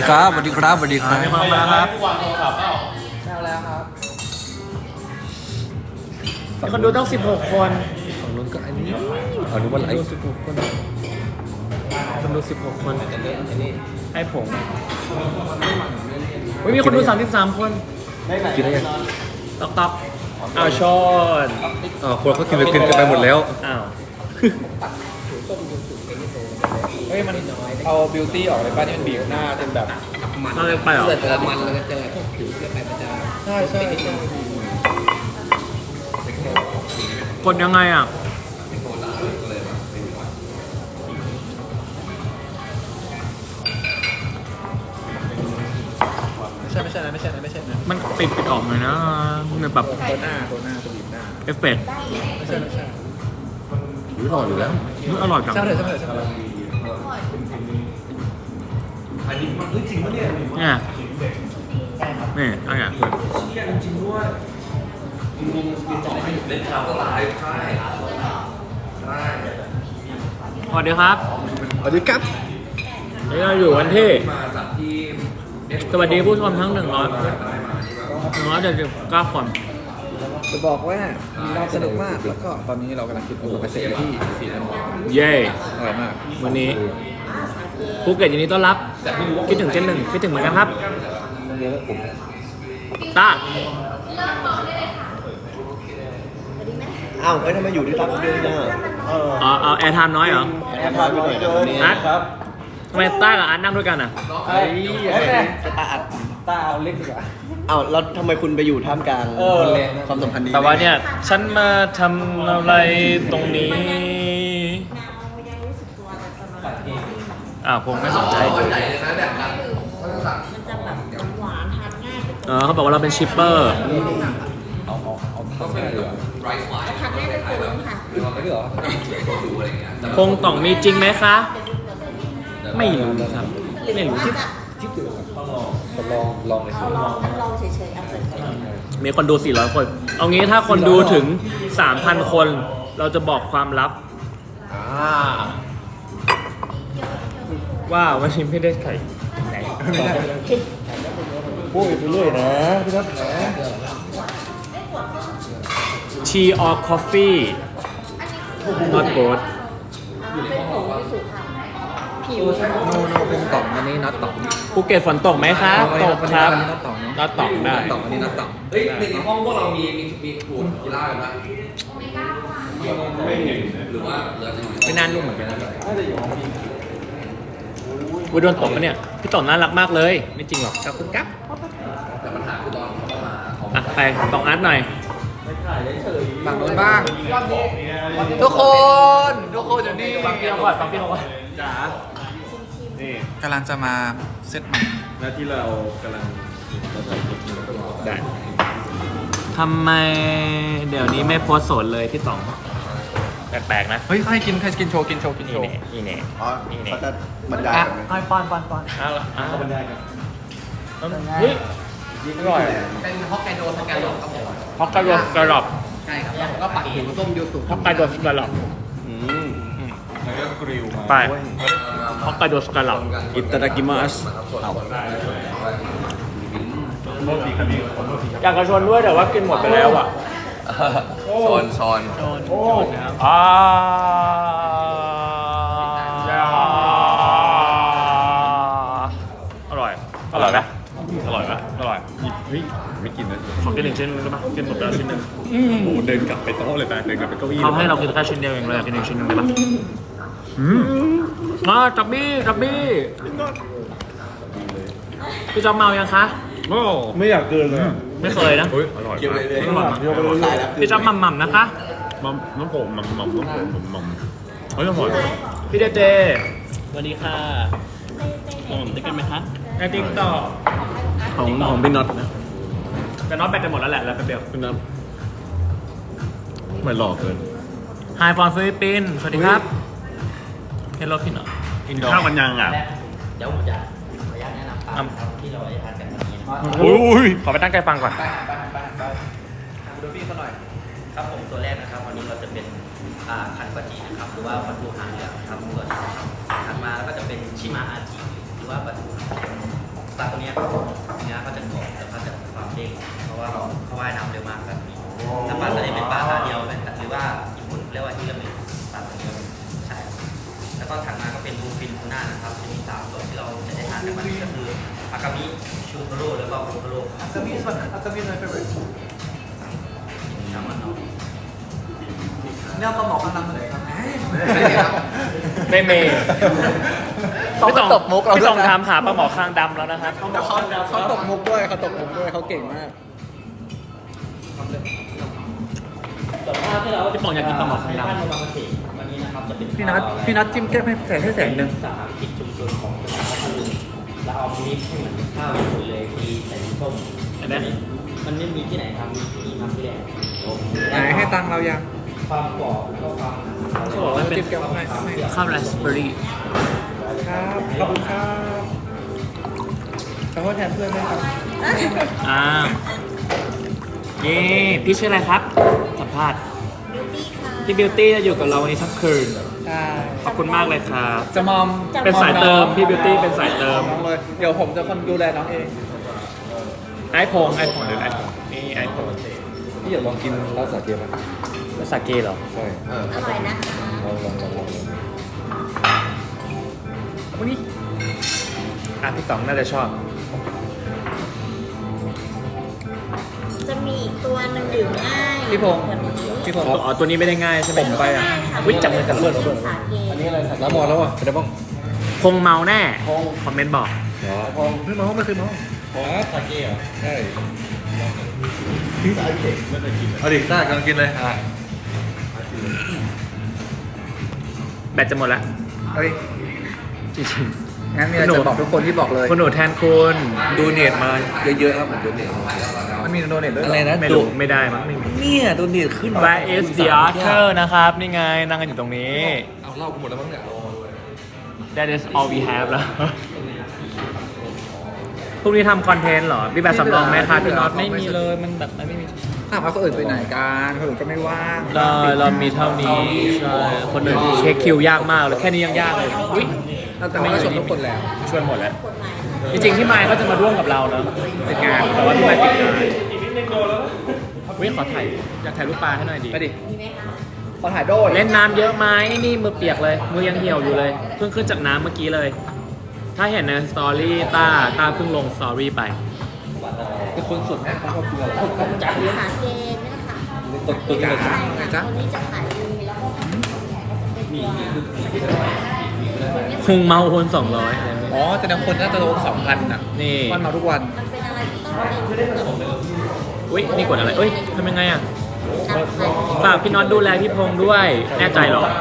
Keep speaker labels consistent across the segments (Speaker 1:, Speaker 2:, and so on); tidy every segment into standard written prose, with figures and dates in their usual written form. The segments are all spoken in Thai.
Speaker 1: ดีครับสวัสดีครับสวัสดีครับ
Speaker 2: มีคนมาแล้วครับ
Speaker 3: วางโทรศัพท์เปล่า
Speaker 4: แช่แล้วครับ
Speaker 2: มีคนดูต้อง16 คน
Speaker 1: ฝั่งนู้นก็อันนี้เอานึกว่าไล
Speaker 2: ดู
Speaker 1: ฟ์
Speaker 2: 16 คนคนดู16 คนไอ้ผงมีคนดู33 คน
Speaker 1: กินได้ยัง
Speaker 2: ต๊อกต๊อกอ้าวชอน
Speaker 1: คนเขากินกันไปหมดแล้ว
Speaker 2: อ้าว
Speaker 4: เฮ้ยมันเอาบิวตี้ออกเลยป่ะที่มันบีบหน้าเป็นแบบ
Speaker 2: น่าจะไปเหรอ
Speaker 4: เจอมันแล้วก็เจอผิวเสื้อไปมันจะใช่ใช่
Speaker 2: กดยังไงอ่ะ
Speaker 4: ไม่ใช่นะ
Speaker 2: มันปิดออกเลยนะมันแบบ
Speaker 4: ตัวหน้าตัวบีบหน้า
Speaker 2: เอฟเฟกต์
Speaker 4: ไม่ใช่
Speaker 1: รู้หล่ออยู่แล้ว
Speaker 2: มันอร่อยจัง
Speaker 4: ช่างเถอะ
Speaker 2: เนี่ยนี่อะไรอ่ะสวัสดีครับ
Speaker 1: สวัสดีครับ
Speaker 2: นี่เราอยู่กันที่สวัสดีผู้ชมทั้ง100 179 คน
Speaker 4: จะบอกว่าเราสนุกมากแล้วก็ตอนนี้เรากำลังกินโอมาเซ่ที่สีน้ำมัน
Speaker 2: เย้
Speaker 4: อร่อยมาก
Speaker 2: วันนี้ภูเก็ตยินดีต้อนรับ คิดถึงเจนหนึ่งคิดถึงเหมือนกันครับตา
Speaker 5: อ้าวทำไมอยู่ที่ตับเดียวเนี่ย
Speaker 2: เอาแอร์ไทม์น้อยเหรอ
Speaker 5: แอร์พาร์ตไม่เดิน
Speaker 2: นัดทำไมต้ากับอาร์ตนั่งด้วยกันอ่ะ
Speaker 4: เฮ้ยตาอัดตาเอาเล็กดีกว่า
Speaker 5: อ้าวแล้วทำไมคุณไปอยู่ท่ามกลางความสัมพันธ์นี้
Speaker 2: แต่ว่าเนี่ย ฉันมาทำอะไรตรงนี้คงไม่สนใจ
Speaker 3: ใหญ่เลยนะแบบนั้น
Speaker 6: มันจะแบบหวานทานง่าย
Speaker 2: เขาบอกว่าเราเป็นชิปเปอร์
Speaker 3: ต้องเป็นแบบไรซ์ไวน์
Speaker 6: ทานง่ายเป็นตัวค่ะ
Speaker 4: ไม่หรอ
Speaker 3: โซจูอะไรอย่างเงี้ยแต่
Speaker 2: คงต้องมีจริงไหมคะ ไม่รู้ครับ ไม่รู้
Speaker 4: ลองเลยสิ
Speaker 6: ลองเฉยๆเอาเปิดกัน
Speaker 2: มีคนดู 400 คน เอางี้ถ้าคนดูถึง 3,000 คน เราจะบอกความลับ ว่าวันนี้ไม่ได้ไข่ไหน
Speaker 5: พูดไปเรื่อยนะพี่นัทนะ
Speaker 2: Tea or coffee not both
Speaker 6: เป็นผงวิสุค่ะผิว
Speaker 4: โนเป็นต่อมอันนี้นัดต่อม
Speaker 2: ภูเก็ตฝนตกไหมคะตกครับ
Speaker 4: อันนี้นัดต่อม
Speaker 2: นัดตกได้
Speaker 4: ต่อมอันนี้นัดต่อม
Speaker 3: เฮ้ยในห้องพวกเรามีขวดกีฬากันไหมไม่เห็นหรือว่าเหลือจะอยู่
Speaker 2: ไม่น่านุ่มเหมือนกันนะวุ้ยโดนตกปะเนี่ย พี่ต่อน่ารักมากเลย ไม่จริงหรอกขอบคุณครับ
Speaker 3: แต่ปัญหาคือตอนเขามาเขา
Speaker 2: ไปต้องอาร์ตหน่อย
Speaker 4: ฝั่งโน้นบ้าง ทุกคนอยู่นี่
Speaker 2: ฟังพี่เขาก่อนฟังพี่เขาก่อน
Speaker 4: กำลังจะมาเซตใหม่
Speaker 1: หน้าที่เรากำลัง
Speaker 2: ได้ทำไมเดี๋ยวนี้ไม่โพสต์โสดเลยพี่ต๋อง แปลกๆนะ
Speaker 4: เฮ้ยใครกินโชว์
Speaker 2: นี่แน่นี่แน่
Speaker 5: อ๋อเขาจะบรรยายกันไหม
Speaker 4: ป้อน
Speaker 2: เอาละเอาบรรยายกันเฮ้ยอร่อย
Speaker 3: เป็นฮอกไกโดสแกนหลอกครับผม
Speaker 2: ฮอกไกโดสกระหลอบ
Speaker 3: ใช่ครับแล้วก็ปักหูส้มยูสุ
Speaker 2: ฮอกไกโดสกระหลอบ
Speaker 1: แล้วก็กริลมา
Speaker 2: ไปฮอกไกโดสกระหลอบ
Speaker 1: อิตาดากิมัส
Speaker 2: อยากจะชวนด้วยแต่ว่ากินหมดไปแล้วอ่ะ
Speaker 3: ซอน
Speaker 2: อ่าอร่อยไหมอร่อยไหมอร่อย
Speaker 1: เฮ้ยไม่กินนะ
Speaker 2: ขอกิน1 ชิ้นได้ปะกินหมดไปแล้วชิ้นหนึง
Speaker 1: โอ้โหเดินกลับไปโต๊ะเลยไปเดินกลับไปเก้าอี้
Speaker 2: เขาให้เรากินแค่ชิ้นเดียวเองเลยอยากกิน1 ชิ้นหนึงได้ปะจับบี้พี่จอมเมายังคะ
Speaker 1: โอ้ไม่อยากเกินเลย
Speaker 2: ไม่เคยนะ
Speaker 1: เฮ้ยอร่อย
Speaker 3: เกี่ยวเลยเลย
Speaker 2: อร่อยมาก
Speaker 5: เดี๋ยวไปเรื่อยๆ
Speaker 2: พี่จอมหม่ำๆนะคะ
Speaker 1: มัมน้ำผมมัมเฮ้ยอร่อย
Speaker 2: พี่เจสวัสดีค่ะผมได้กันไหมคะไอติ๊กต่อ
Speaker 1: ของพี่น็อตนะ
Speaker 2: แต่น็อตแบตจะหมดแล้วแหละแล้วแป๊บเดียว
Speaker 1: พี่น็อตไม่หล่อเกิน
Speaker 2: ไฮฟอนฟิลิปปินส์สวัสดีครับเฮลโลพี่หน่อยอินโด
Speaker 1: ข้าวมันยังอ่ะ
Speaker 7: เดี๋ยวผมจะขออนุญาตแนะนำปลาครับที่เราจะทานกันวันนี้นะครับ
Speaker 1: อุ้ย
Speaker 2: ขอไปตั้งใจฟังก่อน
Speaker 4: ดูพี่เขาหน่อย
Speaker 7: ครับผมตัวแรกนะครับวันนี้เราจะเป็นคันปาจินะครับหรือว่าปลาทูหางเหลืองนะครับตัวนี้นะครับถัดมาแล้วก็จะเป็นชิมาอาจิหรือว่าปลาทูหางเหลืองจากมันก็คืออากามิชูโทโร่แล้วก็โคโทโร่
Speaker 4: Akami is my favorite
Speaker 7: สามารถเอา
Speaker 4: เนี่ยปลาหมอข้างดำเลยครับ
Speaker 2: ไม่เมย์
Speaker 4: เขาก็ตบมุกเรา
Speaker 2: พี่
Speaker 4: ด้
Speaker 2: ต้
Speaker 4: ว
Speaker 2: อย ง
Speaker 4: นะ
Speaker 2: ถามหาปลาหมอข้างดำแล้วนะครับ
Speaker 4: เขาตบมุกด้วยเขาตบมุกด้วยเขาเก่งมาก
Speaker 2: พี่ป๋องอยากกินปลาหมอข้างดำ
Speaker 7: ท่านโนบางเกษตรวันนี้นะครับจะเป็น
Speaker 4: พี่นัทจิ้มแก้มให้แสงหนึ่ง
Speaker 7: สาหกิจชุมชนของจังหวัดพัทลุงแล้วเอามิกซ์ให้เหมือนข้าวญี่ปุ่นเลยมีใส่น้ำส้ม
Speaker 2: อันนี้
Speaker 7: มันไม่มีที่ไหนทำมีที่นี่ทำที่แรก
Speaker 4: ไหนให้ตังค์เรายัง
Speaker 7: ความกรอบแล้วก็ความ
Speaker 2: เขาบอกว่าเป็น
Speaker 4: จิ้มแก้มให้
Speaker 2: ข้าวไรซ์เบอร์รี่
Speaker 4: ครับขอบคุณครับขอโทษแทนเพื่อนด้วยครับ
Speaker 2: นี่พี่ชื่ออะไรครับ สัมภาษณ์พี่บิวตี้จะอยู่กับเราวันนี้ทั้งคืน
Speaker 4: ใช่
Speaker 2: ขอบคุณมากเลยครับ
Speaker 4: จะมอม
Speaker 2: เป็นสายเติมพี่บิวตี้เป็นสายเติม
Speaker 4: น้องเลยเดี๋ยวผมจะคนดูแลน้องเอง
Speaker 2: ไอโพงหรือไอโพงนี่ไอโพง
Speaker 5: พี่อยากลองกินร้านสาเกไหม
Speaker 2: ภาษาเกเหรอ
Speaker 5: ใช่
Speaker 6: อร่อยนะคะ
Speaker 5: ลอง
Speaker 2: วันนี้พี่ต๋องน่าจะชอบ
Speaker 6: จะมีอีกตัวหนึ่งดื่มง่าย
Speaker 4: พี่พงษ์
Speaker 6: แบบนี้
Speaker 4: พี่ผม
Speaker 2: อ๋อตัวนี้ไม่ได้ง่ายใช่ไหม
Speaker 4: ผมไปอ่ะ
Speaker 2: วิจับมือกันเลย
Speaker 6: เป็นสาเก
Speaker 5: อันนี้อะไรสักน้ำมอแล้วอ่ะเป็นไงบ้าง
Speaker 2: คงเมาแน่คอมเมนต์บอก
Speaker 5: เหรอ
Speaker 4: ไม่มองไม่เคยมอง
Speaker 5: สาเกเหรอใช่สาเกไม่เคยกินเอาดิได้กำลังกินเลยอ่ะ
Speaker 2: แบตจะหมดละ
Speaker 4: เฮ้ย
Speaker 2: จริง
Speaker 4: งั้นมีอะไรจะบอกทุกคนที่บอกเลย
Speaker 2: ๆคุณหนูแทนคุณ
Speaker 5: ดูเนตมาเยอะๆครับผมดูเนต
Speaker 4: มันมีโดเนทด้วยเห
Speaker 5: อะไรนะ
Speaker 2: ไม่รู้ไม่ได้มั้งไม่มี
Speaker 5: เนี่ยดูเนตขึ้นมา
Speaker 2: Where is the author นะครับ นี่ไงนั่งกันอยู่ตรงนี้
Speaker 5: เอาเล่ากูหมดแล้วมั้งเนี่ย
Speaker 2: That is all we have แล้วพรุ่งนี้ทำคอนเทนต์เหรอมีแบบสำรองไหมคะพี่น็อตไม่มีเลยมันแบบไม่มี
Speaker 4: ถามว่าคนอื่นไปไหนกันคนอื่นก็ไม่ว่าง
Speaker 2: เรามีเท่านี้ใช่คนอื่นเช็คคิวยากมากเลยแค่นี้ยังยากเลยอุ้ย
Speaker 4: แต่ว่าก็ชมทุกคนแล้ว
Speaker 2: ชวนหมดแล้ว จริงๆที่ไมค์ก็จะมาร่วมกับเราเนอะติดงานแต่ว่าที่ไมค์ติดงานวิขอถ่ายอยากถ่ายรูปปลาให้หน่อยดิ
Speaker 4: ไปดิ
Speaker 6: มีไหมคะ
Speaker 4: ขอถ่ายโดย
Speaker 2: เล่นน้ำเยอะไหมนี่มือเปียกเลย มือยังเหี่ยวอยู่เลย เพิ่งขึ้นจากน้ำเมื่อกี้เลย ถ้าเห็นในสตอรี่ต้าเพิ่งลงสตอรี่ไป
Speaker 5: เป็นคนสุดนะเขาชอบกินอะไร
Speaker 6: สาเกเนี่ยค่ะ
Speaker 5: ตัวนี้เลย
Speaker 6: ใช่ค่ะตัวนี้จะขายดีแล้วก็มี
Speaker 2: คงเมาคน200อะไรแบบนี้
Speaker 4: อ๋อแต่ในคนน่าจะลง2,000อ่ะ
Speaker 2: นี่
Speaker 4: วันมาทุกวัน
Speaker 6: มันเป็นอะไรที่ต้องเป็น
Speaker 2: อุ้ยนี่กดอะไรเอ้ยทำยังไงอ่ะ
Speaker 6: นักขาย
Speaker 2: ฝากพี่น็อตดูแลพี่พงษ์ด้วย แน่ใจเหรอ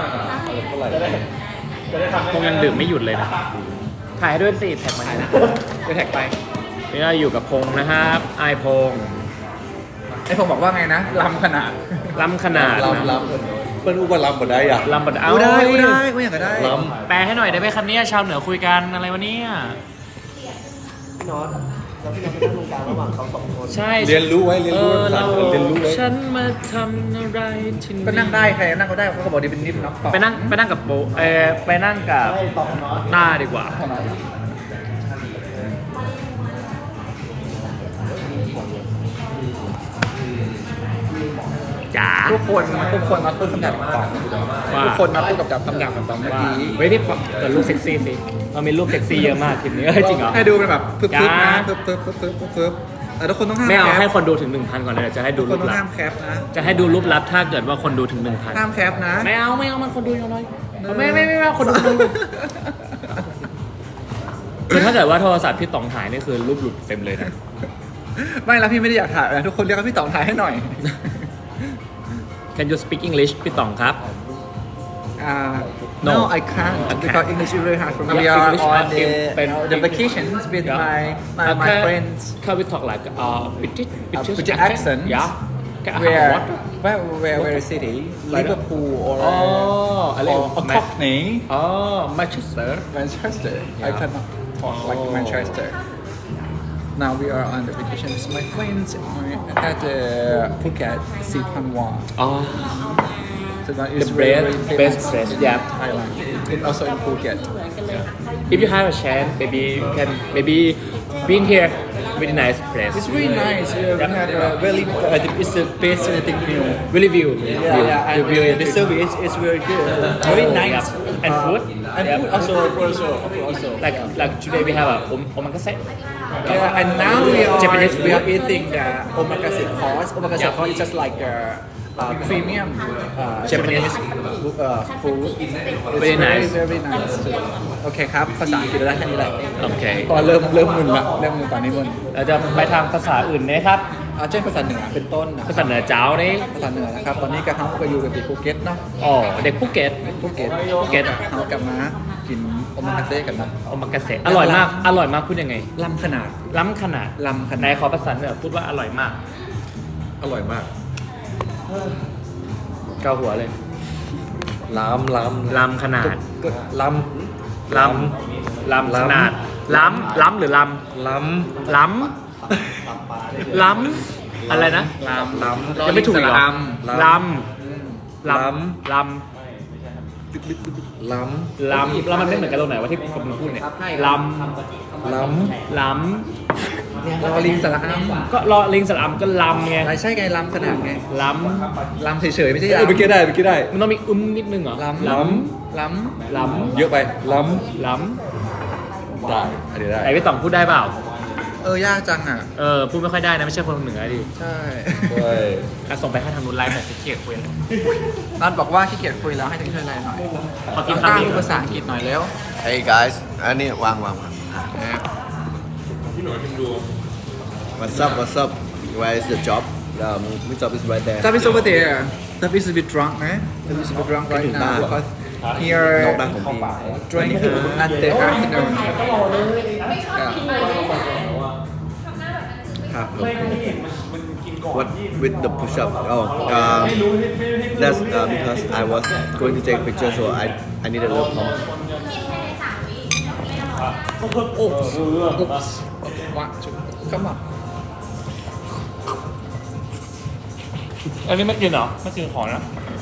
Speaker 2: พงษ์ยังดื่มไม่หยุดเลยนะ ถ่ายให้ด้วยสิแท็กมาให้นะ
Speaker 4: จะแท็กไป
Speaker 2: นี่เราอยู่กับพงษ์นะครับไอพงษ์
Speaker 4: ไอ้ผมบอกว่าไงนะลำขนาด
Speaker 2: ล้ำขนาดนะ
Speaker 5: ลำเปิ้ลอู้ว่าลำหมดได้อ่ะ
Speaker 2: ล้ำบัดเอา
Speaker 4: อู้ได้กูอยากก็ได้
Speaker 5: ล
Speaker 2: แปลให้หน่อยได้ไหมครับเนี่ยชาวเหนือคุยกันอะไรวะเนี่ย
Speaker 5: พี่น็อตแล้วพี่น็อตไปนั่งตรงกลางระหว่างเขาสองคน
Speaker 2: ใช่
Speaker 5: เรียนรู้ไว้เรียนรู้
Speaker 2: เรา
Speaker 5: เรียนรู้ไว้
Speaker 2: ฉันมาทำอะไรที่นี่
Speaker 4: ก็นั่งได้ใครนั่งก็ได้เขาก็บอกดีเป็นนิฟเนาะต่อ
Speaker 2: ไปนั่งกับโบไปนั่งกับหน้าดีกว่า จ๋า
Speaker 4: ทุกคนมาพูดคำหยาบกับตอง
Speaker 2: ว่า
Speaker 4: ทุกคนมาพูดกับคำหยาบกับตองเมื่อ
Speaker 2: ว่า
Speaker 4: กี้
Speaker 2: เฮ้ยพี่เปิดรูปเซ็กซี่สิเรามีรูปเซ็กซี่เยอะมากทีมนี้เฮ้ยจริงเหรอ
Speaker 4: ให้ดูเป็นแบบปึ๊บ
Speaker 2: จ้า
Speaker 4: ๆนะปึ๊บแต่ทุกคนต้องห้าม
Speaker 2: ไม่เอา
Speaker 4: แคป
Speaker 2: ให้คนดูถึง 1,000 ก่อนเลยเดี๋ยวจะให้
Speaker 4: ทุ
Speaker 2: ดู
Speaker 4: กค
Speaker 2: รู
Speaker 4: น
Speaker 2: ป
Speaker 4: ต้อง
Speaker 2: ลับ
Speaker 4: ห้ามแคปนะ
Speaker 2: จะให้ดูรูปลับถ้าเกิดว่าคนดูถึง
Speaker 4: ห้ามแคปนะ
Speaker 2: 1,000ไม่เอามันคนดูน้อยไม่คนดูคือถ้าเกิดว่าโทรศัพท์พี่ต๋องถ่ายนี่คือรูปหลุดเต็มเลยนะ
Speaker 4: ไม่แล้วพี่ไม่ได้อยากถ่ายนะทุกคนเรียกว่าพี่ต๋องถ่ายให้หน่อย
Speaker 2: Can you speak English พี่ต๋องครับ
Speaker 4: No,
Speaker 2: No.
Speaker 4: I can't because English is very hard for me. We
Speaker 2: Yeah,
Speaker 4: are
Speaker 2: English
Speaker 4: on
Speaker 2: เป็น
Speaker 4: the vacations with
Speaker 2: Yeah.
Speaker 4: my friends.
Speaker 2: Can we talk like British
Speaker 4: accent?
Speaker 2: Yeah. Can I have
Speaker 4: Where,
Speaker 2: water?
Speaker 4: where city? Liverpool or
Speaker 2: Oh,
Speaker 4: Cockney?
Speaker 2: Oh, Manchester.
Speaker 4: Manchester. I
Speaker 2: Yeah.
Speaker 4: cannot talk like
Speaker 2: Oh.
Speaker 4: Manchester. Now we are on the vacation with my friends at Phuket, Sipanwa.
Speaker 2: Oh,
Speaker 4: So that
Speaker 2: the
Speaker 4: is very,
Speaker 2: best,
Speaker 4: very
Speaker 2: best
Speaker 4: famous
Speaker 2: place.
Speaker 4: in
Speaker 2: Yeah.
Speaker 4: Thailand. And also in Phuket.
Speaker 6: เหมือนกันเลยค่ะ
Speaker 2: If you have a chance, maybe you can maybe been here. Really nice place.
Speaker 4: It's really nice. We have very. It's the best thing view.
Speaker 2: Really view.
Speaker 4: Yeah,
Speaker 2: The view
Speaker 4: and the service is very good. Very nice.
Speaker 2: Yeah. And food.
Speaker 4: And food also.
Speaker 2: like today we have a omakase.
Speaker 4: Yeah, and now we are
Speaker 2: Japanese
Speaker 4: we are
Speaker 2: food.
Speaker 4: eating the omakase course. Omakase course is just like premium Japanese food. It's
Speaker 2: Very nice.
Speaker 4: very nice. โอเคครับ ภาษาอังกฤษได้แค่นี้แหละ
Speaker 2: โอเค
Speaker 4: พอเริ่มมึนละเริ่มมึนตอนนี้มึน
Speaker 2: เราจะไปทางภาษาอื่นนะครับ
Speaker 4: เช่นภาษาเหนือเป็นต้นนะ
Speaker 2: ภาษาเหนือเจ้านี่
Speaker 4: ภาษาเหนือนะครับ ตอนนี้กระทั่งก็อยู่กันที่ภูเก็ตเนาะ
Speaker 2: อ๋อเด็กภูเก็ต
Speaker 4: ภูเก็ต
Speaker 2: ภูเก็ต
Speaker 4: เขากลับมากินโอมากาเซ่กันนะ
Speaker 2: โอมากาเสะอร่อยมากพูดยังไง
Speaker 4: ล้ำขนาด
Speaker 2: ล้ำขนาด
Speaker 4: ล้ำขนาด
Speaker 2: ไหนขอภาษาเหนือพูดว่าอร่อยมาก
Speaker 5: อร่อยมาก
Speaker 2: เกาหัวเลย
Speaker 5: ล้ำ
Speaker 2: ล้ำขนาด
Speaker 5: ก็ล้
Speaker 2: ล้ำขนาดล้ำหรือล้
Speaker 5: ำล้
Speaker 2: ำล้ำอะไรนะ
Speaker 5: ำล้ำ
Speaker 2: ยังไม่ถูกอีกเหรอล้ำ
Speaker 5: ล้
Speaker 2: ล้ำ
Speaker 5: ล้
Speaker 2: ล้ำแล้วมันไม่เหมือนกันตรงไหนว่าที่ผมพูดเนี่ยล้
Speaker 5: ำล้
Speaker 2: ำล้
Speaker 4: รอลิงสระอัม
Speaker 2: ำก็รอลิงสลัมก็ล้ำไง
Speaker 4: ใช่ไงล้ำขนาดไง
Speaker 2: ล้
Speaker 4: ล้ำเฉยๆไม่ใช่
Speaker 5: ำเมื่อกี้ได้
Speaker 2: ำมันต้องมีนิดนึงเหรอ
Speaker 4: ล้ำ
Speaker 2: ล้
Speaker 4: ล้
Speaker 2: ำล้ำ
Speaker 5: เยอะไป ล้
Speaker 2: ล้
Speaker 5: ำได้อันนี้ได้
Speaker 2: ำไหนพี่ต่องพูดได้เปล่า
Speaker 4: ำยากจังอ่ะ
Speaker 2: พูดไม่ค่อยได้นะไม่ใช่คนเหนือดิ
Speaker 4: ใช่
Speaker 5: ด้วย
Speaker 2: ส่งไปให้ทางนู้นไลฟ์แบบเกียรติคุย
Speaker 4: นัดบอกว่าขี้เกียจคุยแล้วให้ถึงช่วยอะไรหน่อย
Speaker 2: ขอกิน
Speaker 4: กล้า
Speaker 2: คำนี้
Speaker 4: พูดภาษาอังกฤษหน่อยแล้ว
Speaker 3: Hey guys อันนี้วาง What's up Where is the job my job is right there
Speaker 4: That is over there. That is a bit drunk, eh? That is a bit drunk right now because here
Speaker 3: นอกบ้านของพี่
Speaker 4: drink at the afternoon. Yeah.
Speaker 3: What with the push up that's because I was going to take a picture so I need a little pump
Speaker 4: Oops. One, two. Come on.
Speaker 2: อันนี้ไม่กินเหรอไม่กินของนะ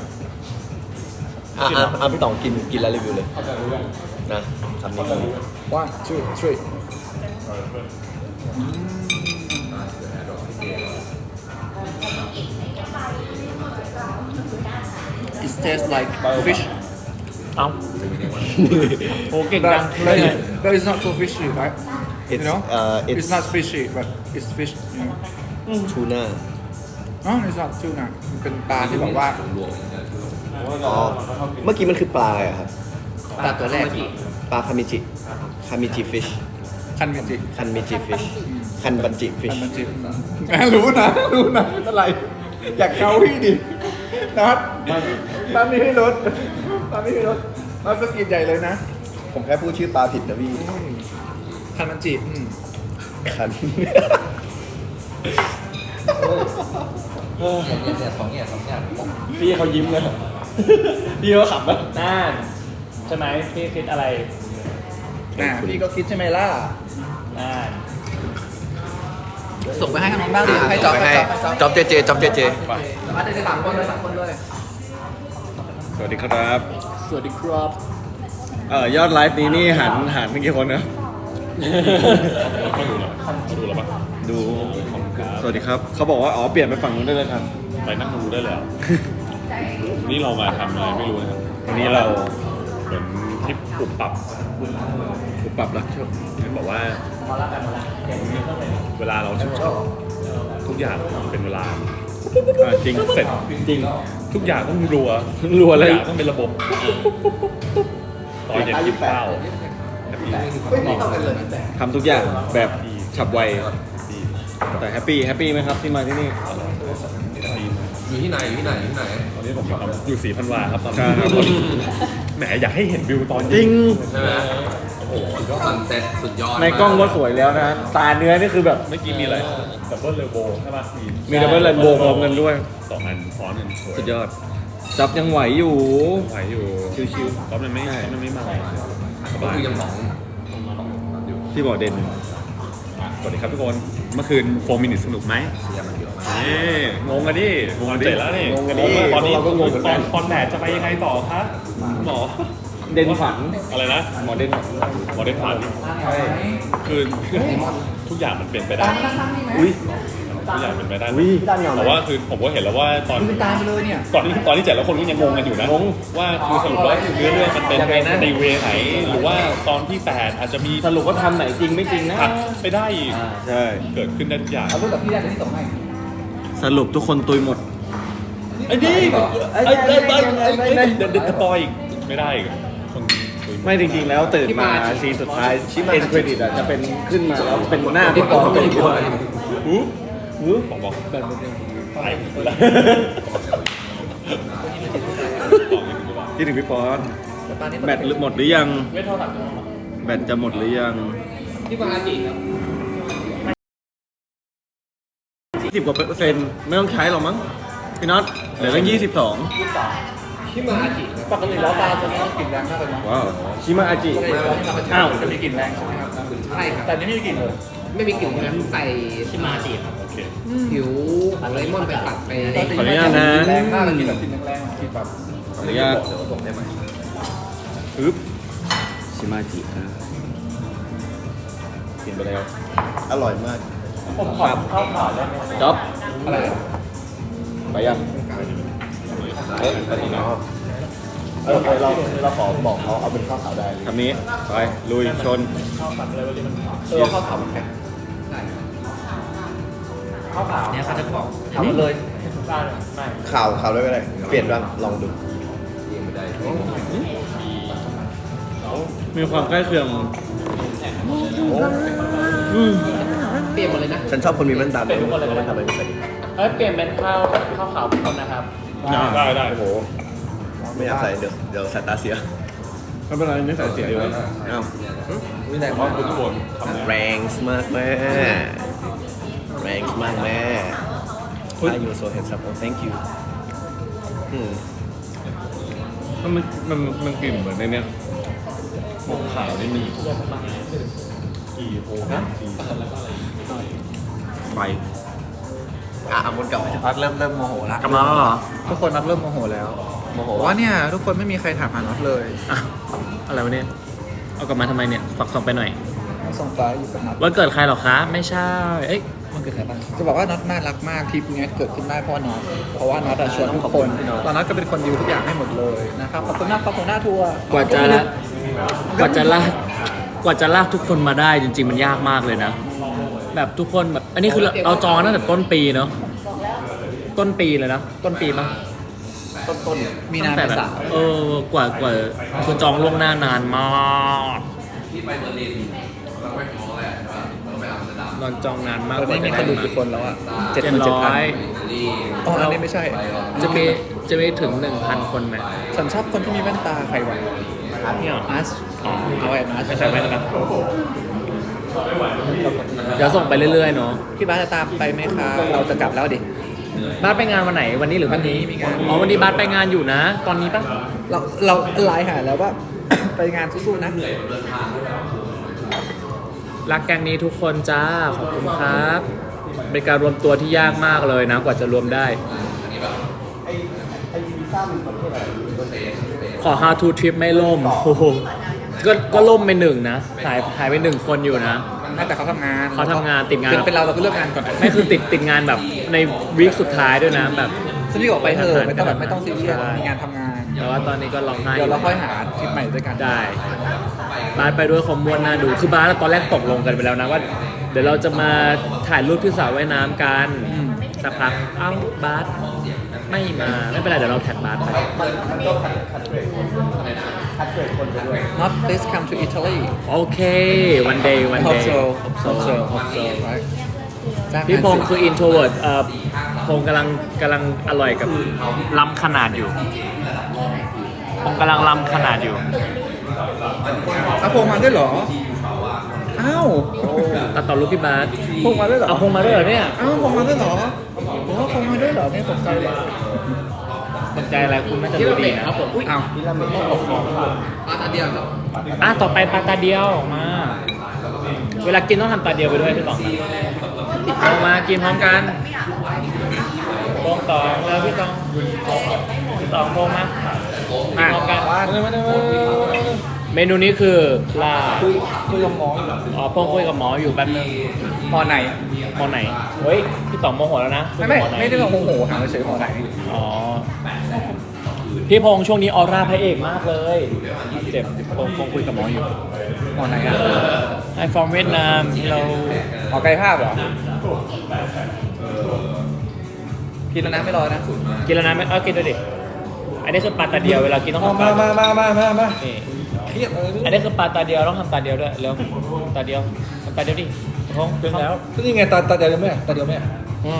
Speaker 3: พี่ต่องกินแล้วรีวิวเลยนะคำนี้
Speaker 4: One, two, three. It tastes like fish.
Speaker 2: เอ้าโอ้เก่งจัง
Speaker 4: But it's not so fishy, right? You
Speaker 3: It's
Speaker 4: know?
Speaker 3: it's
Speaker 4: It's not fishy, but it's fish. You know?
Speaker 3: tuna
Speaker 4: No, it's not tuna. มันเป็นปลาที่แบบว่า
Speaker 3: อ๋อเมื่อกี้มันคือปลาอะไรอะครับ
Speaker 4: ปลาตัวแรก
Speaker 3: ปลาคามิจิฟิช
Speaker 4: คันเมจิ
Speaker 3: คันมิจิฟิชคันบันจิฟิช
Speaker 4: คันเมจิรู้นะไม่เป็นไร อยากเกาพี่ดินัดนี่ให้รถนัดสกินใหญ่เลยนะ
Speaker 3: ผมแค่พูดชื่อปลาผิดนะพี่
Speaker 4: คันเมจิ
Speaker 3: คัน
Speaker 2: พี่เขายิ้มเลยพี่เขาขำนะน่านใช่ไหมพี่คิดอะไร
Speaker 4: พี่ก็คิดใช่ไหมล่ะ
Speaker 2: น่าน
Speaker 4: ส่งไปให้น้องบ้างดิให้จ๊อบ
Speaker 3: จ๊อบเจเจจ๊อบเจเจ
Speaker 4: มาได้3 คนเลย3 คนเลย
Speaker 5: สวัสดีครับ
Speaker 2: สวัสดีครับ
Speaker 5: ยอดไลฟ์นี้นี่หันเมื่อกี้คนนะ
Speaker 1: ดูแล้วปะ
Speaker 5: ดู สวัสดีครับ เขาบอกว่าอ๋อเปลี่ยนไปฝั่งนู้นได้เลยครับ
Speaker 1: ไปนั่งดูได้แล้ว นี่เรามาทำอะไรไม่รู้นะครับ
Speaker 5: วันนี้เรา
Speaker 1: เหมือนทริปปรับ
Speaker 5: ปรับรักชอบ
Speaker 1: เห็นบอกว่า เวลาเราชอบทุกอย่างเป็นเวลาจริงเสร็จจริงทุกอย่างต้องรัว
Speaker 5: รัวเลย
Speaker 1: ทุกอย่างต้องเป็นระบบตอนเย็นกินข้าว
Speaker 5: ทำทุกอย่างแบบฉับไว แต่แฮปปี้ไหมครับที่มาที่นี่
Speaker 3: อยู่ที่ไหน
Speaker 1: ตอนนี้ผมอยู่ศรีพันวาครับตอน
Speaker 5: ใช่
Speaker 1: นี้
Speaker 5: ครับ
Speaker 1: แหมอยากให้เห็นวิวตอน
Speaker 5: จริง
Speaker 3: ใช่ไหมโอ้โหซันเซ็ตสุดยอด
Speaker 5: ในกล้องก็สวยแล้วนะ ตาเนื้อนี่คือแบบ
Speaker 1: เมื่อกี้มีอะไรดับเบิลเรนโบว์ใช่ปะ
Speaker 5: มีดับเบิลเรนโบว์พร้อมกันด้วย
Speaker 1: 2 อันซ้อนกันสวย
Speaker 5: สุดยอด จับยังไหวอยู่
Speaker 1: ไหวอยู่
Speaker 5: ชิวๆ
Speaker 1: ก็มันไม่มาสบาย
Speaker 3: คือยังของ
Speaker 5: พี่บอกเด่น
Speaker 1: สวัสดีครับทุกคน เมื่อคืน4 minutes สนุกไหมนี่งงกันดิงงกันเสร็จแล้วนี่
Speaker 5: งงกันดิ
Speaker 1: ตอนนี้
Speaker 5: เราก็งงเหมือนกัน
Speaker 1: ตอนแดดจะไปยังไงต่อครับหมอ
Speaker 5: เด่นฝัน
Speaker 1: อะไรนะ
Speaker 5: หมอเด่นฝัน
Speaker 1: หมอได้ผ่านคือทุกอย่างมันเปลี่ยนไปได้
Speaker 5: อุ้ย
Speaker 1: ทุกอย่างเป็นไปได้
Speaker 3: อุ๊ยพี่ตั้นเหงาไหม
Speaker 1: แต่ว่าคือผมก็เห็นแล้วว่าตอน
Speaker 4: คุณตามไปเลยเนี่ย
Speaker 1: ตอนที่7แล้วคนก็ยังงงกันอยู่นะว่าคือสรุปแล้วคือเรื่องมันเป็นในเวไหนหรือว่าตอนที่8อาจจะมี
Speaker 3: สรุปว่าทำไหนจริงไม่จริงนะ
Speaker 1: ผัดไปได้อีก
Speaker 3: ใช่
Speaker 1: เกิดขึ้นได้ทุกอย่าง
Speaker 4: เอารูปกับพี่ได้เดี๋ยวพี่ส่งให้
Speaker 3: สรุปทุกคนตุยหมด
Speaker 1: ไอ้นี่เดี๋ยวสปอยอีกไม่ได้อีกคนคุย
Speaker 3: ไม่จริงๆแล้วตื่นมาซีนสุดท้ายเอ็นเครดิตอ่ะจะเป็นขึ้นมาแล้วเป็นหน้าพี่ปอตัวด้วย
Speaker 1: บอกแบบตายหมดแล้ว
Speaker 3: คิดถึงพี่ปอนแบตหมดหรือยังแบตจะหมดหรือยัง
Speaker 7: ที่บางอาจิครับ
Speaker 3: 10 กว่าเปอร์เซ็นต์ไม่ต้องใช้หรอกมั้งพี่น็อตเหลือตั้ง22
Speaker 7: ที่บางอาจิครับ
Speaker 4: ปกติแล้วปลาตัวนี้กลิ่นแรงมากเลยนะ
Speaker 3: ว้าวชิมาอาจิ
Speaker 4: อ้าวจะมีกลิ่นแรงใช่ไหมครับ
Speaker 7: ใช่ครับ
Speaker 4: แต่นี่ไม่มีกลิ่นเลย
Speaker 7: ไม่มีกลิ่นนะใส่
Speaker 2: ที่มาจีบ
Speaker 1: โอเค
Speaker 7: ผิวของเลมอนไปปัดไป
Speaker 3: ขออนุญาตนะ
Speaker 4: แรงมากเลยกลิ่นแบบกลิ่นแรงๆกลิ่นแบบ
Speaker 3: ขออนุญาตปึ๊บชิมาจิครับ
Speaker 1: กินไปแล้ว
Speaker 3: อร่อยมาก
Speaker 2: ผมขอข้าวขาวได้ไหม
Speaker 3: จ๊อบ
Speaker 4: อะไรอะ
Speaker 3: ไปยังไปถึงแล้วเราขอบอกเขาเอาเป็นข้าวขาวได้คำนี้ไปลุยชน
Speaker 4: ข้าวขาวมันแข็ง
Speaker 2: ข้าวขาวเนี่ยเขาจะบอก
Speaker 4: ทำเลย
Speaker 2: ได้เลยไม่
Speaker 3: ข่าวด้วยก็ได้เปลี่ยนบ้างลองดูมีความใกล้เคียง
Speaker 7: เปลี่ยนหมดเลยนะ
Speaker 3: ฉันชอบคนมีแว่นตาด้วยมันทำอะไรไม่ใส่
Speaker 2: เปลี่ยนเป็นข้าวขาวคนนะครับ
Speaker 1: ได้
Speaker 3: โอ้โหไม่อยากใส่เดี๋ยวสายตาเสียไม่เป็นไรไม่ใส่เสียอยู่แล้วอ้าว
Speaker 1: ไม่ได้เพราะคุณทุกคนทำ
Speaker 3: แรงมากแม่แรงมากแม่ Are you so handsome? Oh, thank you.
Speaker 1: มันกลิ่นเหมือนในเนี้ยหมกขาวนี่มีกี่โอ้นะ
Speaker 3: ไปอามุนกลับไป
Speaker 4: น็อตเริ่มโมโหละ
Speaker 3: กลับมาแล้วเหรอ
Speaker 4: ทุกคนน็อตเริ่มโมโหแล้วโมโหว่าเนี่ยทุกคนไม่มีใครถามหาน็อตเลย
Speaker 2: อะไรวะเนี่ยเอากลับมาทำไมเนี่ยฝากส่งไปหน่อย
Speaker 4: ต้องส่งฟ้าอยู่กับน็อต
Speaker 2: วันเกิดใครหรอคะไม่ใช่เอ้ยวันเกิดใครบ้าง
Speaker 4: จะบอกว่าน็อตน่ารักมากทริปเนี้ยเกิดขึ้นได้เพราะน็อตเพราะว่าน็อตอะชวนทุกคนตอนน็อตก็เป็นคนดิวทุกอย่างให้หมดเลยนะครับขอบคุณมากครับของหน้าทัวร์
Speaker 2: กว่าจะลากทุกคนมาได้จริง ๆ มันยากมากเลยนะ แบบทุกคนแบบอันนี้คือเราจองตั้งแต่ต้นปีเนาะต้นปีเลยนะต้นปีปะ
Speaker 4: มีนา
Speaker 2: ตั้งแต่
Speaker 4: เม
Speaker 2: แบบ
Speaker 4: ษาก
Speaker 2: ว่าคือจองล่วงหน้านานมากนอนจองนานมาก
Speaker 4: ตอนนี้มีคนดูกี่คนแล้วอ่ะ
Speaker 2: 700
Speaker 4: อ๋ออันนี้ไม่ใช่
Speaker 2: จะมีถึง 1,000 คนไหม
Speaker 4: ฉันชอบคนที่มีแว่นตาใครวะ
Speaker 2: เนี่ย
Speaker 4: อาร์ตเอาแอบอาร์ต
Speaker 2: ไม่ใช่ไหมนะครับเดี๋ยวส่งไปเรื่อยๆเนาะ
Speaker 4: พี่บ้าสจะตามไปไหมครับเราจะกลับแล้วดิ
Speaker 2: บาสไปงานวันไหนวันนี้หรือวันนี้มีงานอ๋อวันนี้บาสไปงานอยู่นะ ตอนนี้ปะ
Speaker 4: เราไลน์หาแล้วว่า ไปงานสู้ๆนะ
Speaker 2: รักแกงนี้ทุกคนจ้าขอบคุณครับเป็นการรวมตัวที่ยากมากเลยนะกว่าจะรวมได้ ขอ how to trip ไม่ล่มโอ้โหก็ล่มไปหนึ่งนะหายไป1 คนอยู่นะ
Speaker 4: แต่เขาทำงาน
Speaker 2: เขาทำงานติดงาน
Speaker 4: เป็นเราก็เลือกงานก่อน
Speaker 2: ไม่คือติดงานแบบในวีคสุดท้ายด้วยนะแบบ
Speaker 4: ฉันรีบออกไปเถอะไม่ต้องซีเรียสมีงานทำงาน
Speaker 2: แต่ว่าตอนนี้ก็ร้องไห้
Speaker 4: เดี๋ยวเราค่อยหาทริปใหม่ด้วยกัน
Speaker 2: ได้บาสไปด้วยคอมมวนน่าดูคือบาสตอนแรกตกลงกันไปแล้วนะว่า เดี๋ยวเราจะมาถ่ายรูปที่สระว่ายน้ำกันสักพักเอ้าบาสไม่มาไม่เป็นไรเดี๋ยวเราแท็กบาสไป
Speaker 4: Not please come to Italy
Speaker 2: โอเค one day
Speaker 4: hope so hope so right
Speaker 2: พี่พงศ์คือ introvert พงศ์กำลังอร่อยกับล้ำขนาดอยู่พงศ์กำลังล้ำขนาดอยู่
Speaker 4: เอาพงมาด้วยเหรอ อ้าว
Speaker 2: ตัดต่อรูปพี่บาส
Speaker 4: พงมาด้วยเหรอ
Speaker 2: เอาพงศ์มาด้วยเหรอเนี่ย
Speaker 4: อ้าวพงมาด้วยเหรอโอ้พงมาด้วยเหรอเนี่ยตกใจเลย
Speaker 2: สนใจอะไรคุณน่าจะรู้ดีนะครับผม
Speaker 4: อ้าว
Speaker 7: อันเดียวครับ
Speaker 2: ต่อไปปลาตาเดียวออกมา เวลากินต้องทำตาเดียวไปด้วยพี่ต๋องออกมากินพร้อมกันโป้งตองแล้วพี่ตองโป้งมากินพร้อมกันเมนูนี้คือลา
Speaker 4: คุยกับหมอ
Speaker 2: อ๋อโป้งคุยกับหมออยู่แป๊บนึง
Speaker 4: มอไหน
Speaker 2: มอไหนเฮ้ยพี่ต๋องโมโหแล้วนะ
Speaker 4: ไม่
Speaker 2: มอหน
Speaker 4: ไม่ได้ลองโมโหถามเฉยๆมอไหน
Speaker 2: อ๋อพี่พงษ์ช่วงนี้ออร่าพระเอกมากเลยเจ็บคงคุยกับหมออยู่
Speaker 4: มอไหนอ่ะ
Speaker 2: I'm from เวียดนามเรา
Speaker 4: ออกกายภาพเหรอกินแล้วนะไม่รอนะ
Speaker 2: กินแล้วนะไม่กินด้วยดิอันนี้คือปลาตาเดียวเวลากินต้องทำ
Speaker 5: มา
Speaker 2: ตา
Speaker 5: มา
Speaker 2: นี่
Speaker 5: เครียดเลย
Speaker 2: อันนี้คือปลาตาเดียวต้องทำตาเดียวด้วยเร็วตาเดียวทำตาเดียวดิพงษ์
Speaker 5: เป็นแล้วนี่ไงตาเดียวไหมตาเดียวไหม
Speaker 2: อืม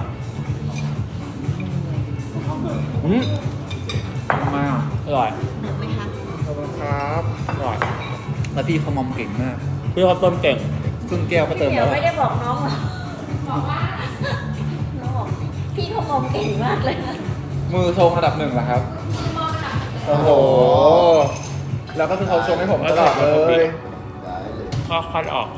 Speaker 4: มา
Speaker 2: อร่อย
Speaker 6: ไหมคะ
Speaker 4: ขอบคุณครับ
Speaker 2: อร่อย
Speaker 4: แล้วพี่เขามอมเก่งมาก
Speaker 2: พี่เขาต้มเก่ง
Speaker 4: ครึ่งแก้วก็เติม
Speaker 6: เดี๋
Speaker 4: แล้
Speaker 6: ยว
Speaker 4: ว
Speaker 6: ไม่ได้บอกน้องหรอบอกว่าน้องบอกพี่เขามองเก่งมากเลยนะ
Speaker 4: มือชงระดับหนึ่งเหรอครับโอ้โหแล้วก็คือเขาชงให้ผมตลอดเลย
Speaker 2: ข้าวคัดออก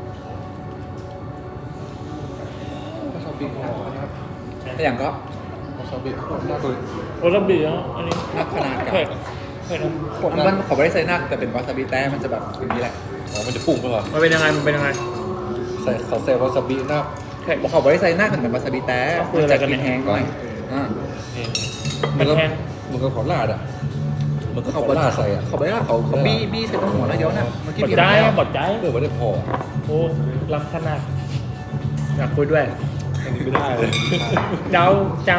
Speaker 4: ชอบบิ๊กครับแต่อย่างก็ชอบบิ๊กน่าตัว
Speaker 2: โอ้ระเบียงอันนี้
Speaker 4: นักขนาดกับ
Speaker 2: เผ็ดเผ็ดนะ
Speaker 4: มันขอไม่ได้ใส่นักแต่เป็นวาซาบิแต้มันจะแบบอย่างนี้แหละ
Speaker 5: อ๋อมันจะปุ่งไปก่อน
Speaker 2: มันเป็นยังไงมันเป็นยังไง
Speaker 5: ใส่เขาใส่วาซาบิหน้า
Speaker 4: บอกเขาไม่ได้ใส่นักแต่เป็นวาซาบิแต้
Speaker 2: ก็คืออะไรกัน
Speaker 4: กิ
Speaker 2: เนี่ย
Speaker 4: นแห้งก่อนอ่า
Speaker 2: มันแห้ง
Speaker 5: มันก็ขอลาดอ่ะมันก็ข
Speaker 4: เขา
Speaker 5: อ
Speaker 4: ไม่
Speaker 5: ลาดใส่อ่ะ
Speaker 4: เขาไม่ได้เขาบี้ใส่ตรงหัวแล้วเดี๋ยวนะเมื่อกี้
Speaker 2: บด
Speaker 4: เบีย
Speaker 2: ใจ
Speaker 4: ร์แล้ว
Speaker 2: บดใจ
Speaker 5: เออไม่ได้พอ
Speaker 2: โอ้ล้ำขนาดอยากคุยด้วย
Speaker 5: ไม่ได้เลย
Speaker 2: เจ้า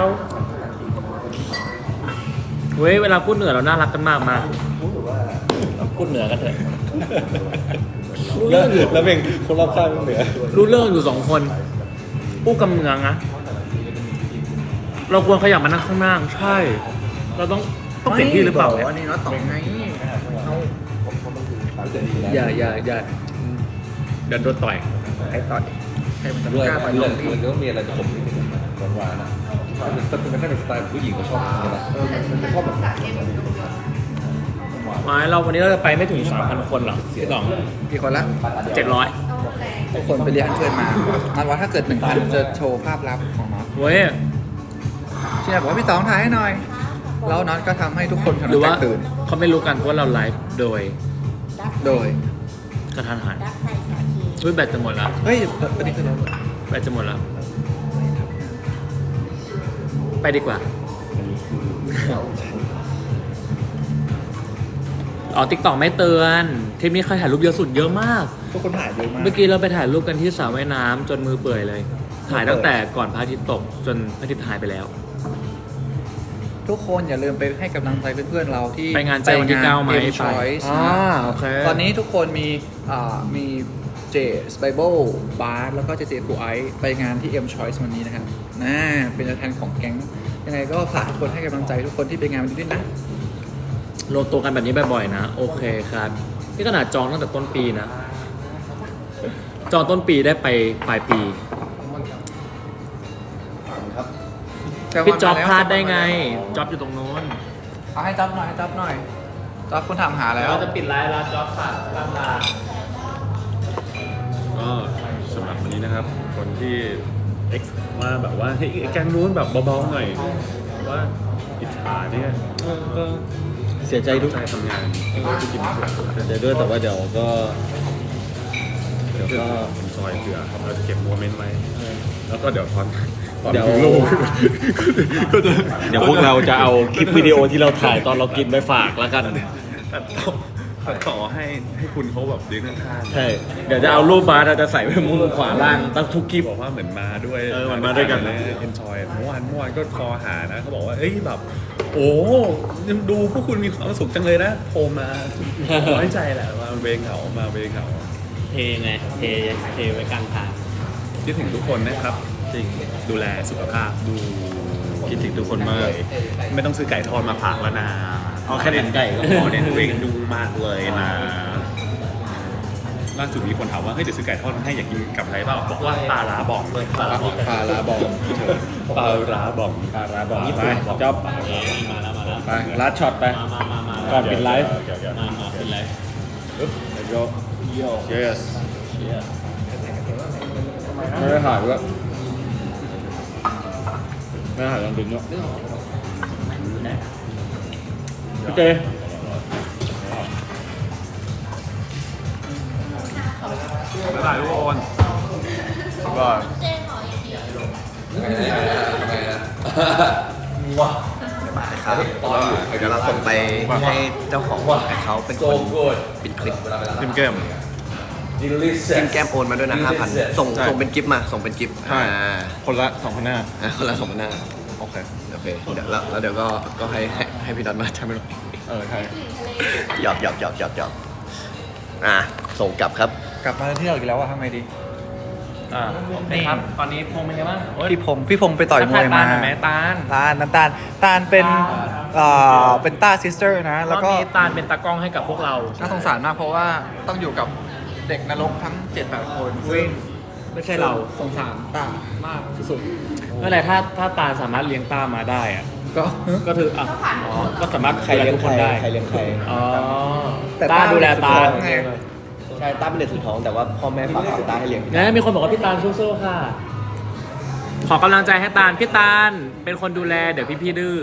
Speaker 2: เว้ยเวลาพูดเหนือเราน่ารักกันมากมาพูดเหนือกันเถอะ
Speaker 5: แล้วเป็นคนรอบข้างเหนือ
Speaker 2: รู้เรื่องอยู่2 คนอู้กำเมืองนะเราควรขยับมานั่งข้างหน้าใช่ เราต้องเปลี่ยนที่หรือเปล่า
Speaker 4: อันนี้เนาะต่อไงเอา
Speaker 2: อย่าเดี๋ยวโดนต่อย
Speaker 4: ใครต่อยใครมันจะ
Speaker 5: ด้วย
Speaker 4: กล้าต่อย
Speaker 5: เรื่
Speaker 4: น้
Speaker 5: อ
Speaker 4: อง งพี่
Speaker 5: มันก็มีอะไรผสมนิดนึงหวานๆนะมันน่าเป็นสไตล์ผู้หญิงเขาชอบอย่างนี้แหละ
Speaker 4: มันจะชอบแบบ
Speaker 2: ไม้เราวันนี้เราจะไปไม่ถึง 3,000 คนหรอกพี่ต๋อง
Speaker 4: กี่คนละ
Speaker 2: 700
Speaker 4: ทุกคนไปเรียนเชิญมามันว่าถ้าเกิด 1,000 จะโชว์ภาพลับของน้อง
Speaker 2: เว้ย
Speaker 4: เชียร์บอกว่าพี่ต๋องถ่ายให้หน่อยแล้วน็อตก็ทำให้ทุกคน
Speaker 2: หรือว่า
Speaker 4: แตกตื่น
Speaker 2: เขาไม่รู้กันว่าเราไลฟ์โดย
Speaker 4: โดย
Speaker 2: กระทันหัน
Speaker 6: ดักใส่สาคี
Speaker 2: อุ้ยแบตจะหมดแล้ว
Speaker 4: เฮ้ยตอนนี้คือเรา
Speaker 2: แบตจะหมดแล้ว ไปดีกว่า อ๋อ TikTok ไม่เตือนทริปนี้ใครถ่ายรูปเยอะสุดเยอะมาก
Speaker 4: ทุกคนถ่ายเยอะมาก
Speaker 2: เมื่อกี้เราไปถ่ายรูปกันที่สระว่ายน้ำจนมือเปื่อยเลย ถ่ายตั้งแต่ก่อนพระอาทิตย์ตกจนพระอาทิตย์หายไปแล้ว
Speaker 4: ทุกคนอย่าลืมไปให้กำลังใจเพื่อนๆเราที่
Speaker 2: ไปงานใจวันที่ 9 ไหม
Speaker 4: เอ็มชอยส์
Speaker 2: โอเค
Speaker 4: ตอนนี้ทุกคนมีเจสไบเบิลบาร์แล้วก็เจเจฟูไอไปงานที่ M Choice วันนี้นะครับเป็นตัวแทนของแก๊งยังไงก็ฝากทุกคนให้กำลังใจทุกคนที่ไปงานวันนี้ด้วยนะ
Speaker 2: รวมตัวกันแบบนี้บ่อยๆนะ โอเคครับนี่ขนาดจองตั้งแต่ต้นปีนะ จองต้นปีได้ไปปลายปี พี่จ๊อบพลาดได้ไงจ๊อบอยู่ตรงโน้น
Speaker 4: เอาให้จ๊อบหน่อยให้จ๊อบหน่อยจ๊อบคุณถามหาแล้ว
Speaker 2: เราจะปิดไลฟ์แล้วจ๊อบค่ะลา
Speaker 1: ก็สำหรับวันนี้นะครับ คนที่ X มาแบบว่าให้แกงนู้นแบบเบาๆหน่อยว่าอิจฉาเนี่ยก็
Speaker 5: เสียใจทุก
Speaker 1: ใจทำงานที่กิน
Speaker 5: เสียใจด้วยแต่ว่าเดี๋ยวก็
Speaker 1: เดี๋ยวก็เป็นซอยเผื่อเราจะเก็บโมเมนต์ไว้แล้วก็เดี๋ยวตอน
Speaker 5: เดี๋ยว
Speaker 1: ถึงลูกก็จะ
Speaker 5: เดี๋ยวพวกเราจะเอาคลิปวิดีโอที่เราถ่ายตอนเรากินไปฝากแล้วกัน
Speaker 1: ตัดต่อให้คุณเขาแบบยืนข้างๆ
Speaker 5: ใช่ เดี๋ยวจะเอารูปบาร์เราจะใส่ไว้มุมขวาล่างตั้งทุกคลิป
Speaker 1: บอกว่าเหมือนมาด้วย
Speaker 5: เหมือนมาด้วยกัน
Speaker 1: เลยเอนจอยเมื่อวานก็คอหานะเขาบอกว่าเอ้ยแบบ โอ้ดูพวกคุณมีความสุขจังเลยนะโทรมาน้อยใจแหละมาเวงเหงามาเวงเหงา
Speaker 2: เทไงเทไว้กลางทาง
Speaker 1: คิดถึงทุกคนนะครับจริงดูแลสุขภาพดู
Speaker 5: คิดถึงทุกคนมาก
Speaker 1: ไม่ต้องซื้อไก่ทอดมาฝากแล้วนะ
Speaker 5: เอาแค่เน้นไก่ก็พอ
Speaker 1: เน้นเวงดูมากเลยนะล่าสุดมีคนถามว่าเฮ้ยเดี๋ยวซื้อไก่ทอดมาให้อยากกินกับอะไรเปล่าบอกว่าปลาร้าบอกเลยปลาร้าบอก
Speaker 4: พาลาบอก
Speaker 1: ปลาร้าบอก
Speaker 5: ปลาร้าบอก
Speaker 2: ญี่
Speaker 5: ไป
Speaker 2: ปุ่น
Speaker 5: จ๊อบ
Speaker 2: มาแล้ว
Speaker 5: ไปลัดช็อตไป
Speaker 2: มา
Speaker 5: ก่อนปิดไลฟ์
Speaker 2: มาปิดไลฟ์
Speaker 5: แล้วก็ yes ไม่ได้ถ่ายด้วยไม่ได้ถ่ายตอนดึงด้วยพี่เจ
Speaker 1: บ๊ายบายทุกคน
Speaker 3: ว่า
Speaker 6: เจ๊ขออีกที
Speaker 3: ว้าครับเดี๋ยวเราส่งไปให้เจ้าของเขาเป็นคนปิดคลิป
Speaker 1: พิมเกม
Speaker 3: กินแก้มโอนมาด้วยนะ 5,000 ส่ง
Speaker 1: ใช่
Speaker 3: ส่งเป็นกิฟต์มา ส่งเป็นกิฟต์
Speaker 1: ใช่คนละ2,500
Speaker 3: คนละ2,500
Speaker 1: โอเค
Speaker 3: โอเค เดี๋ยวแล้วเดี๋ยวก็ให้พี่นัทมาทำให้เรา
Speaker 1: ใช่
Speaker 3: หยอกส่งกลับครับ
Speaker 4: กลับมาที่เราอีกแล้วว่าทำไงดี
Speaker 2: โอเคครับ ตอนนี้พงเป็นไงบ้างโอ๊ย
Speaker 4: พี่พงไปต่อยมวยมา
Speaker 2: ทักทายตาลหน่อยไหมตาล
Speaker 4: น้ำตาลเป็นต้าซิสเตอร์นะ
Speaker 2: แล้
Speaker 4: แล้ว ว
Speaker 2: ก็
Speaker 4: ก็
Speaker 2: ตาลเป็นตากล้องให้กับพวกเรา
Speaker 4: น่าสงสารมากเพราะว่าต้องอยู่กับเด็กนรกทั้ง 7-8 คนซึ่ง
Speaker 2: ไม่ใช่เรา
Speaker 4: สงสารตามากสุด
Speaker 2: เมื่อไหร่ถ้าตาลสามารถเลี้ยงตามาได้อะ
Speaker 4: ๆก็
Speaker 2: ก็ถืออ่ะอ๋อก็สามารถดูแลทุกคนได้
Speaker 3: ใครเลี้ยงใคร
Speaker 2: อ๋อ
Speaker 4: แต่
Speaker 2: ตาดูแลตาล
Speaker 4: ไง
Speaker 3: ใช่ต้าเป็นเด็กสุดท้องแต่ว่าพ่อแม่ฝากฝังต้าให้เลี้ยง
Speaker 2: นะมีคนบอกว่าพี่ตาลสู้ๆค่ะ ขอกำลังใจให้ตาลพี่ตาลเป็นคนดูแลเดี๋ยวพี่ดื้อ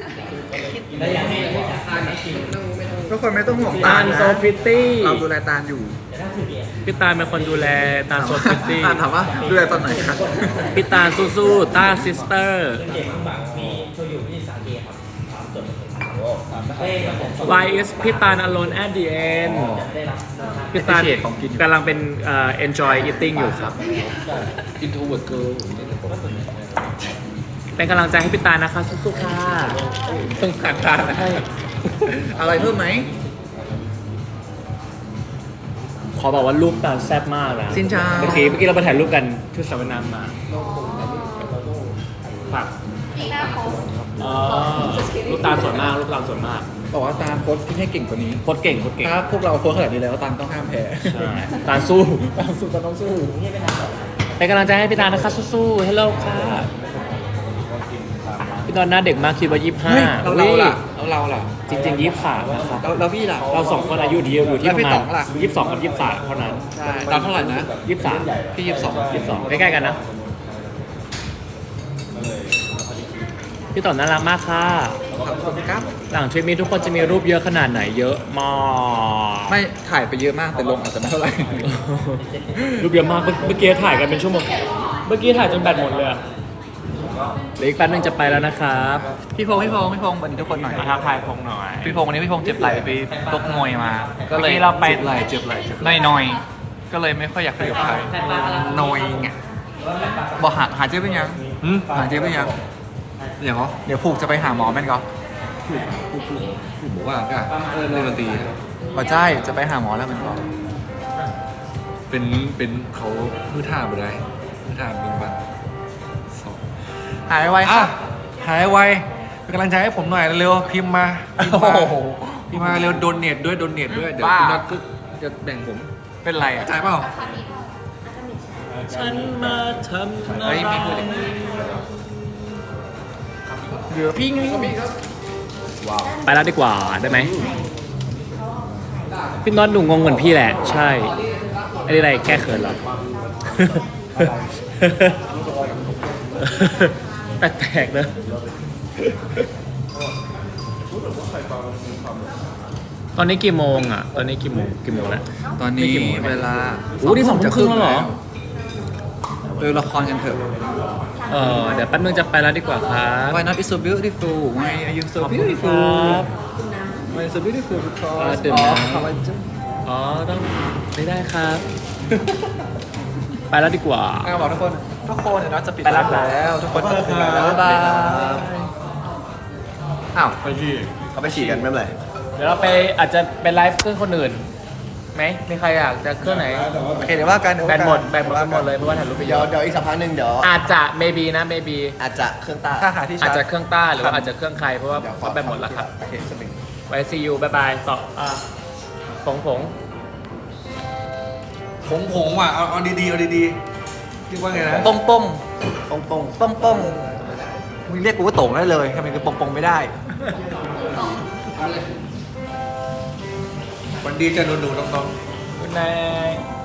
Speaker 4: ทุกคนไม่ต้องห่วง
Speaker 2: ตาล
Speaker 4: นะ
Speaker 2: โซฟิตี้
Speaker 4: เราดูแลตาลอยู่
Speaker 2: พี่ตาลเป็นคนดูแลตาลโซฟิตี้
Speaker 4: ตาลถามว่าดูแลตอนไหนครับ
Speaker 2: พี่ตาลสู้ๆต้าซิสเตอร์ Why is พี่ตาล alone at the end พี่ตาลกำลังเป็นenjoy eating อยู่ครับ
Speaker 4: introvert girl
Speaker 2: เป็นกำลังใจให้พี่ตาลนะคะสู้ๆค่ะ
Speaker 4: ต้องการตาลนะอะไรเพิ่มไหม
Speaker 2: ขอบอกว่ารูปตาลแซ่บมากนะ
Speaker 4: ซินเจ้า
Speaker 2: เมื่อกี้เราไปถ่ายรูปกันที่สระว่ายน้ำมาฝาก
Speaker 6: ปีหน้าโพส
Speaker 2: อ๋อรูปตาลสวยมากรูปตาลสวยมาก
Speaker 4: บอกว่าตาลโค้ชที่ให้เก่งกว่านี้
Speaker 2: โคตรเก่งโคตรเก่ง
Speaker 4: ถ้าพวกเราโค้ชขนาดนี้แล้วตาลต้องห้ามแพ้
Speaker 2: ใช่ตาลสู้
Speaker 4: ตาลสู้ตาลต้องสู้
Speaker 2: เป็นกำลังใจให้พี่ตาลนะคะสู้ๆฮัลโหลค่ะพี่ตอนหน้าเด็กมากคิดว่า
Speaker 4: เฮ้ย
Speaker 2: 25
Speaker 4: เรา
Speaker 2: อุ๊ย
Speaker 4: ล่ะเราล่ะ
Speaker 2: จริงๆ23นะครับ
Speaker 4: เราพี่ล่ะ
Speaker 2: เราสองคนอายุเดียวอยู่ที่
Speaker 4: แล้ว
Speaker 2: ป
Speaker 4: พี่
Speaker 2: ระมา
Speaker 4: ต๋
Speaker 2: ณ
Speaker 4: องล่ะ
Speaker 2: 22 กับ 23 เท่านั้น
Speaker 4: ใช่ตาลเท่าไหร่นะ
Speaker 2: 23
Speaker 4: พี่22
Speaker 2: ใกล้ๆกันนะ พี่ต่อน่ารักมากค่ะ
Speaker 4: ขอบคุณครับ
Speaker 2: หลังทริปนี้ทุกคนจะมีรูปเยอะขนาดไหนเยอะมาก
Speaker 4: ไม่ถ่ายไปเยอะมากแต่ลงอาจจะไม่เท่าไหร่
Speaker 2: รูปเยอะมากเมื่อกี้ถ่ายกันเป็นชั่วโมงเมื่อกี้ถ่ายจนแบตหมดเลยอะเหลืออีกแป๊บนึงจะไปแล้วนะครับ
Speaker 4: พี่พงศ์วันนี้ทุกคนหน่อย
Speaker 2: มาทักทายพงหน่อย
Speaker 4: พี่พงศ์วันนี้พี่พงศ์เจ็บไหล่ไปตกมวยมา ก็เลย
Speaker 2: เมื่อกี้เราไป
Speaker 4: เจ็บไหล่น้อยๆก็เลยไม่ค่อยอยากคุยกับใครนอยไงบอกหาเจ๊เป็นยังหาเจ๊เป็นยังเดี๋ยวผูกจะไปหาหมอแม่นก็
Speaker 5: บอกว่าก็เล่นดนตรี
Speaker 4: บอกใช่จะไปหาหมอแล้วแมันก็
Speaker 5: เป็นเขาพื้นท่าไปได้พื้นท่าเป็นวันสอง
Speaker 4: หายไวค
Speaker 5: อ่ะ
Speaker 4: รับ
Speaker 5: หายไวเป็นกำลังใจให้ผมหน่อยเร็วพิมพ์มาพิมพ์มาเร็วโดนเน็ตด้วยเดี๋ยวคุณนัทก็จะแบ่งผม
Speaker 4: เป็นไรอ่ะ
Speaker 5: จ่ายเปล่า
Speaker 2: ฉันมาทำ
Speaker 4: เฮ้ยมีพูดอีกเหลือพี่ไง
Speaker 2: ไปแล้วดีกว่าได้ไหมพี่น็อตหนูงงเหมือนพี่แหละ ใช่อะไรแก้เขินเหรอ แปลกๆนะตอนนี้กี่โมงอ่ะ ตอนนี้กี่โมงแล้ว
Speaker 4: ตอนนี้เวลา
Speaker 2: โอ้นี่2 ทุ่มครึ่งแล้วเหรอ
Speaker 4: ดูละครกันเถอะ
Speaker 2: เดี๋ยวแป๊บนึงจะไปแล้วดีกว่าครับ
Speaker 4: Why not is so beautiful Why are you so
Speaker 2: ขอบคุณค
Speaker 4: beautiful
Speaker 2: รับ
Speaker 4: Why is so beautiful because
Speaker 2: ดื่ม
Speaker 4: of
Speaker 2: น้ำ
Speaker 4: collagen
Speaker 2: อ๋อต้องไม่ได้ครับ ไปแล้วดีกว่า
Speaker 4: บอกทุกคนเดี๋ยวเราจะปิด
Speaker 2: ไปแล้ว
Speaker 4: แล้วทุกคนจะปิดแล้วบ๊ายบายอ้าว
Speaker 5: ไปที่
Speaker 3: เขาไปฉีดกันไม่เป็นไร
Speaker 2: เดี๋ยวเราไปอาจจะเป็นไลฟ์เครื่องคนอื่นไหมมีใครอยากจะเครื่องไหน
Speaker 4: โอเคเดี๋ยวว่ากัน
Speaker 2: แบตหมดกันหมดเลยเพราะว่าถ่ายรูปไปเย
Speaker 3: เดี๋ยว
Speaker 2: อะ
Speaker 3: เดี๋ยวอีกสักพักหนึ่งเดี๋ยว
Speaker 2: อาจจะ maybe นะ maybe
Speaker 3: อาจจะเครื่องต้า
Speaker 4: ถ้าหาที่
Speaker 2: อา
Speaker 4: ชา
Speaker 2: จ
Speaker 4: ร์จ
Speaker 2: จะเครื่องต้าหรือว่าอาจจะเครื่องใครเพราะว่า
Speaker 3: เดี๋ยวขอ
Speaker 2: เขาแบตหมดแล้วครับ
Speaker 3: โอเคสมิง
Speaker 2: ไว้ see you บายบายต่อผง
Speaker 5: ผมว่ะเอาดีๆเรียกว่าไงนะ
Speaker 4: ป้งป้ง
Speaker 3: ป้อง
Speaker 4: ป้งป้งมึงเรียกกูว่าโต่งได้เลยทำไมกูป้งป้งไม่ได้
Speaker 5: วันดีจะหนูๆน้องๆ
Speaker 2: good night